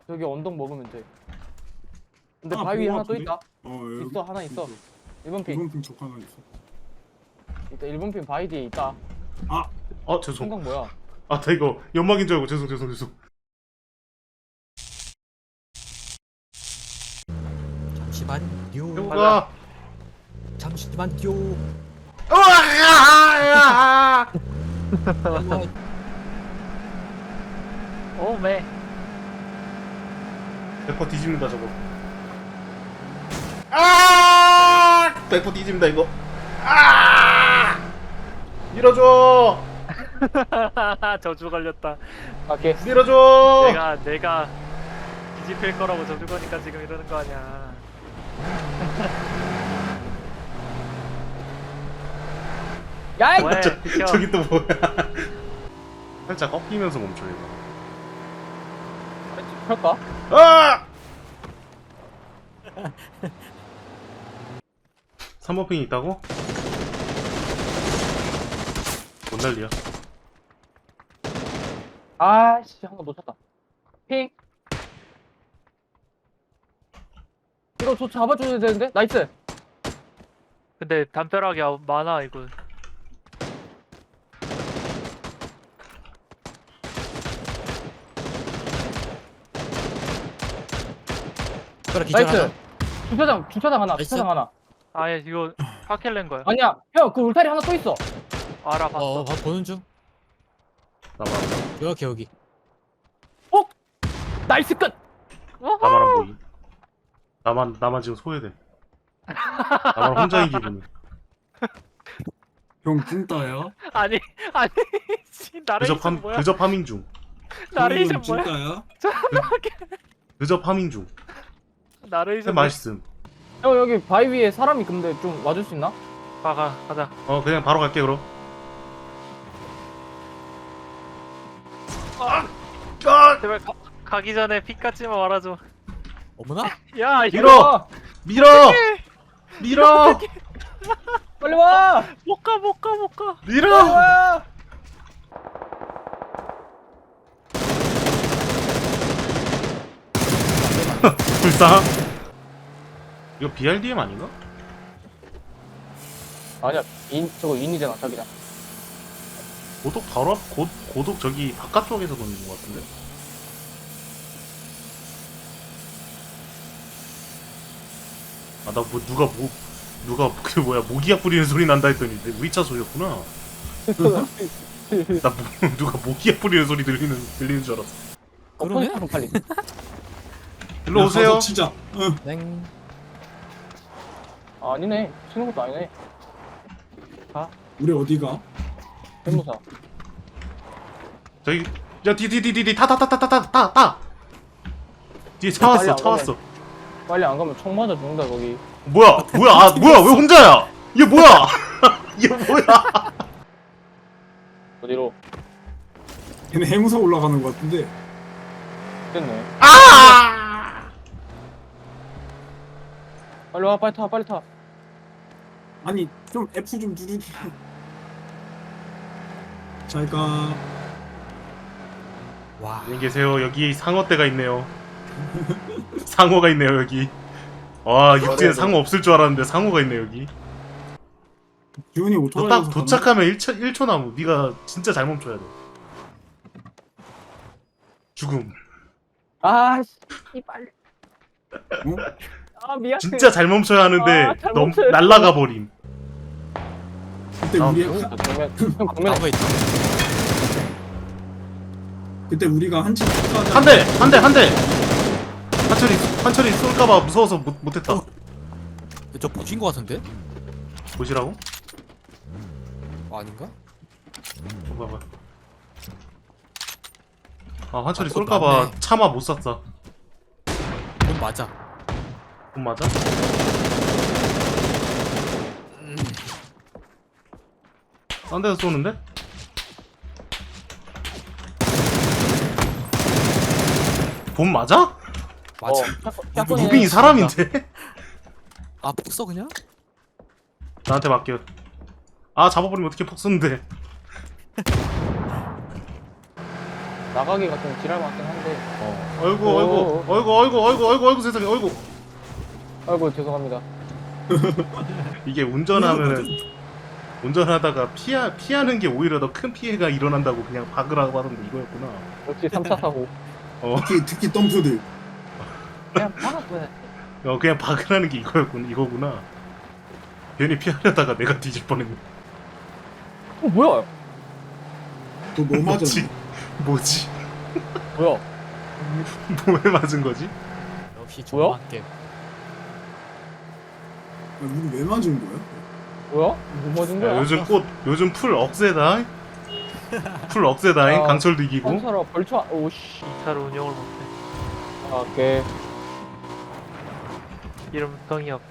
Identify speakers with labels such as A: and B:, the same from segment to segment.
A: 여기 언덕 먹으면 돼. 근데
B: 아,
A: 바위
B: 본거
A: 하나 또
B: 같은데?
A: 있다.
B: 여기
A: 있어, 하나 있어. 1번 핑.
B: 1번 핑 적 하나 있어.
A: 일단 1번 핑 바위 뒤에 있다.
C: 죄송.
A: 생각 뭐야?
C: 나 이거 연막인 줄 알고 죄송.
D: 잠시만요.
C: 해보가.
D: 잠시만요.
E: 오메.
C: 백퍼 뒤집는다 저거. 백퍼 뒤집는다 이거. 밀어줘.
E: 저주 걸렸다.
A: 갈게.
C: 밀어줘.
E: 내가 뒤집힐 거라고 저주 거니까 지금 이러는 거 아니야.
A: 야이!
E: 왜? 비켜.
C: 저기 또 뭐야? 살짝 꺾이면서 멈춰 이거.
A: 펼까?
C: 아! 3번 핑이 있다고? 못 난리야.
A: 아씨, 한 번 놓쳤다. 핑. 이거 저 잡아줘야 되는데? 나이스.
E: 근데 담벼락이 많아 이거.
D: 그래 기절 하나.
A: 나이스. 주차장 하나,
D: 나이스.
A: 주차장 하나.
E: 아예 이거 파켈렌 거야.
A: 아니야, 형, 그 울타리 하나 또 있어.
E: 알아봤어.
D: 보는 중.
C: 나만
D: 여기.
A: 나이스 끝!
C: 나만 안 보이. 나만 지금 소외돼. 나만 혼자인 기분이.
B: 형 찐따야?
E: 아니 씨, 나레이션 뭐야?
C: 그저 파밍 중.
E: 나레이션
B: 형은
E: 뭐야?
B: 찐따야?
C: 그저 파밍 중.
E: 나레이션 뭐야?
C: 맛있음.
A: 형, 여기 바위 위에 사람이 근데 좀 와줄 수 있나?
E: 가자.
C: 그냥 바로 갈게 그럼.
E: 제발 가기 전에 피까지만 말아줘.
D: 어머나?
E: 야 이거
C: 밀어! 밀어! 밀어!
A: 빨리 와!
E: 못 가.
A: 빨리
C: 밀어!
A: 와!
C: 불쌍. 이거 BRDM 아닌가?
A: 아니야, 저거 인이잖아, 자기장.
C: 고독 바로 앞, 고독 저기 바깥쪽에서 던진 것 같은데? 나 뭐, 누가 그 뭐야, 모기약 뿌리는 소리 난다 했더니 내 우이차 소리였구나. 누가 모기약 뿌리는 소리 들리는 줄 알았어.
D: 그러네?
A: 폰 빨리.
C: 일로 오세요.
B: 진짜.
D: 땡.
A: 아니네, 치는 것도 아니네.
B: 우리 어디가?
A: 변호사.
C: 저기, 야, 뒤, 타. 뒤에 차
A: 빨리
C: 왔어,
A: 안
C: 차
A: 가네.
C: 왔어.
A: 빨리 안 가면 총 맞아 죽는다, 거기.
C: 뭐야, 왜 혼자야? 얘 뭐야? 얘 뭐야?
A: 어디로?
B: 걔네 해무서 올라가는 것 같은데.
A: 됐네.
C: 아!
A: 빨리 와, 빨리 타.
B: 아니 좀 F 좀 누르지. 잘가.
D: 와.
C: 안녕히 계세요. 여기 상어떼가 있네요. 상어가 있네요, 여기. 와, 육지에 상어 없을 줄 알았는데 상어가 있네, 여기.
B: 기훈이
C: 너
B: 오토바이에서
C: 딱 도착하면 1초 남음. 네가 진짜 잘 멈춰야 돼. 죽음.
A: 아, 씨, 빨리.
B: 어?
A: 아, 미안해.
C: 진짜 잘 멈춰야 하는데
A: 아, 잘
C: 너무
A: 멈춰요.
C: 날라가 버림.
B: 그때
C: 아,
B: 우리
A: 형, 정면에.
D: 나무에 있다.
B: 그때 우리가 한치
C: 한 대. 한철이 쏠까봐 무서워서 못했다.
D: 저 보신 거 같은데?
C: 보시라고?
D: 아닌가?
C: 봐봐. 한철이
D: 그거
C: 쏠까봐
D: 맞네.
C: 차마 못 쐈어.
D: 그건 맞아.
C: 돈 맞아? 딴 데서 쏘는데? 본 맞아?
D: 맞아.
A: 샷건이네.
C: 무빙이 사람인데?
D: 아, 폭 써 그냥?
C: 나한테 맡겨. 잡아버리면 어떻게 폭 쏘는데?
A: 나가기가 좀 지랄 맞긴 한데.
C: 어이구 세상에 어이구.
A: 아이고 죄송합니다.
C: 이게 운전하다가 피하는 게 오히려 더 큰 피해가 일어난다고 그냥 박으라고 하던데 이거였구나.
A: 역시 3차 사고.
B: 특히 덤프들.
A: 그냥 박았어.
C: 그냥 박으라는 게 이거구나. 괜히 피하려다가 내가 뒤질 뻔했네.
A: 뭐야?
B: 그거 뭐 맞았지?
C: 뭐지?
A: 뭐야?
C: 뭐에 맞은 거지?
D: 역시
A: 뭐야?
D: 조만 게임.
B: 우리 왜 맞은 거야?
A: 뭐야? 뭐 맞은 거야?
C: 야, 요즘 풀 억세다. 풀 억세다잉.
A: 아,
C: 강철도 이기고.
A: 한사라 벌초 오씨.
E: 이 차로 운영을 못해.
A: 아, 오케이.
E: 이름 병이업.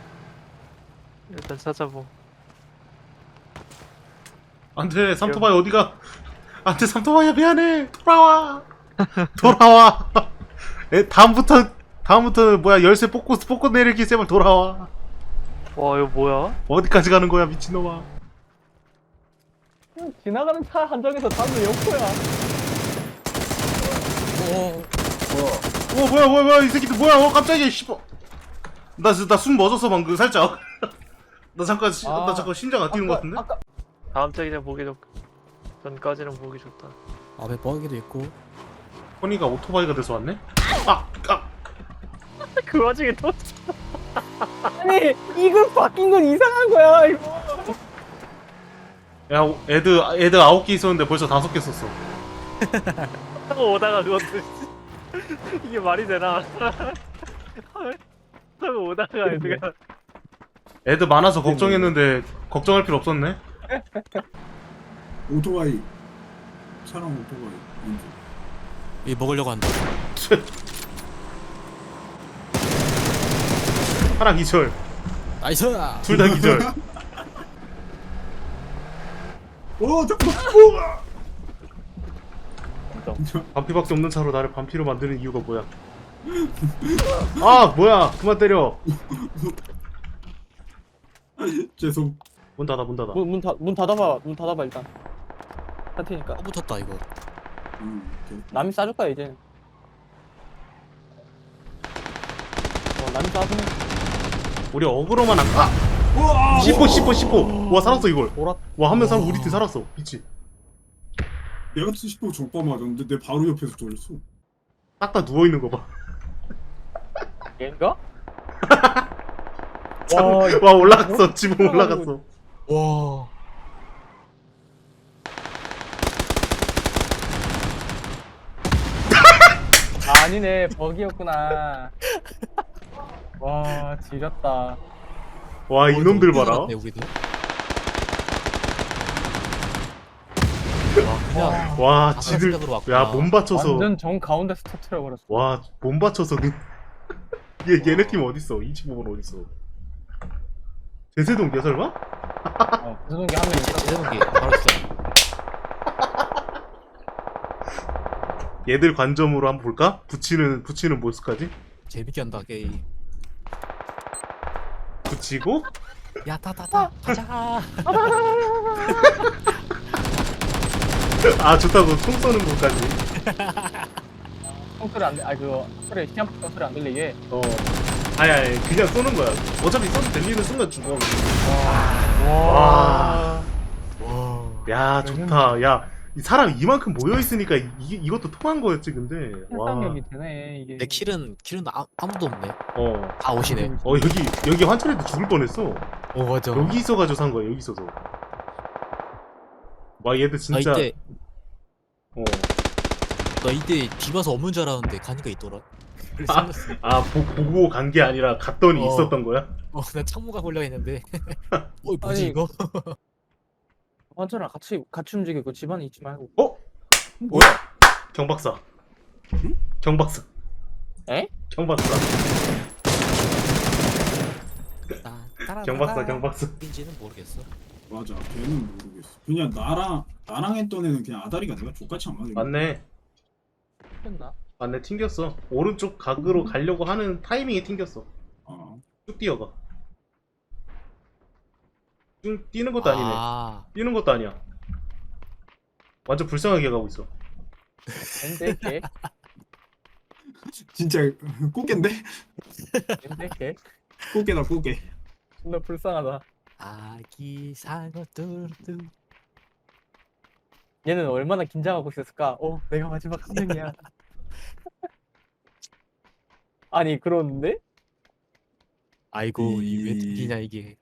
E: 일단 찾아보.
C: 안돼 삼토바이 어디가? 안돼 삼토바이야 미안해. 돌아와. 다음부터 뭐야 열쇠 뽑고 내릴게 제발 돌아와.
E: 와 이거 뭐야?
C: 어디까지 가는 거야 미친놈아.
A: 지나가는 차 한정에서 다들 욕거야.
C: 뭐야 이 새끼들 뭐야 깜짝이야 씨발. 나 숨 멎었어 방금 살짝. 나 잠깐 심장 안 뛰는 거 같은데?
A: 아까
E: 다음 장이장 보기 좋. 전까지는 보기 좋다.
D: 앞에 버기도 있고.
C: 허니가 오토바이가 돼서 왔네?
E: 그 와중에 또
A: 아니 이거 바뀐 건 이상한 거야 이거.
C: 야 애드 9개 있었는데 벌써 5개 썼어.
E: 타고 오다가 그것도 이게 말이 되나? 타고 오다가 애들가
C: 애드 많아서 걱정했는데 걱정할 필요 없었네.
B: 오토바이. 차랑 오토바이.
D: 이 먹으려고 한다.
C: 하나 기절.
D: 나이스.
C: 둘 다 기절.
B: 잠깐.
C: 반피밖에 없는 차로 나를 반피로 만드는 이유가 뭐야? 아 뭐야 그만 때려.
B: 죄송.
C: 문 닫아.
A: 문 닫아봐 일단. 할 테니까.
D: 붙었다 이거.
B: 오케이.
A: 남이 싸줄 거야 이제. 남이 싸주면
C: 우리 어그로만 안 가. 10호. 와 살았어 이걸.
A: 돌아.
C: 와 한 명 살아 우리 팀 살았어. 미치.
B: 내가 10호 적바 맞았는데 내 바로 옆에서 쫄렸어.
C: 딱딱 누워 있는 거 봐.
A: 얘인가?
C: 와 올라갔어. 지붕 올라갔어.
D: 와.
A: 아니네 버기였구나. 와 지렸다.
C: 와 이놈들 봐라.
D: 여기도.
C: 와 지들
D: 생각으로 왔구나.
C: 야 몸 받쳐서
A: 완전 정 가운데서 터트려 버렸어.
C: 와 몸 받쳐서 얘네 팀 어딨어? 25번 어딨어? 제세동기야 설마?
A: 무슨 게 한 명 있어.
D: 제대로기 바로 진짜.
C: 얘들 관점으로 한번 볼까? 붙이는 모습까지?
D: 재밌게 한다 게임.
C: 붙이고
D: 야 타타타 가자.
C: 아 좋다고 총 쏘는 것까지.
A: 총소리 안 돼. 아 그거 소리 시험 소리 안 들리게.
C: 아니 그냥 쏘는 거야. 어차피 쏘도 들리는 순간 죽어.
A: 와.
C: 야 좋다. 야 이 사람 이만큼 모여 있으니까 이것도 통한 거였지 근데.
A: 상상력이 되네 이게.
D: 내 킬은 아무도 없네.
C: 어
D: 다 오시네.
C: 여기 환철이도 죽을 뻔했어.
D: 맞아.
C: 여기 있어가지고 산 거야 여기 있어서. 와 얘들 진짜.
D: 이때
C: 어.
D: 나 이때 뒤봐서 없는 줄 알았는데 가니까 있더라. 그래서 생겼어.
C: 보고 간 게 아니라 갔더니 있었던 거야?
D: 난 창모가 걸려 있는데. 뭐지
A: 아니,
D: 이거?
A: 완전랑 같이 움직이고 집안에 있지 말고.
C: 뭐야? 경박사.
B: 응?
C: 경박사.
A: 에?
C: 경박사. 경박사.
D: 인지는 모르겠어.
B: 맞아. 걔는 모르겠어. 그냥 나랑 했던 애는 그냥 아다리가 내가 족같이 안 맞아.
C: 맞네.
A: 했나?
C: 맞네. 튕겼어. 오른쪽 각으로 가려고 하는 타이밍에 튕겼어.
B: 아,
C: 쭉 뛰어가. 쭉 뛰는 것도 아니네.
D: 아,
C: 뛰는 것도 아니야. 완전 불쌍하게 가고 있어.
A: 엠데케
B: 진짜 꽃게인데?
A: 엠데케
B: 꽃게다 꽃게.
A: 존나 불쌍하다.
D: 아기 상어 뚜루뚜.
A: 얘는 얼마나 긴장하고 있었을까? 내가 마지막 한 명이야. 아니 그런데
D: 아이고
B: 이-
D: 이왜 웃기냐 이게.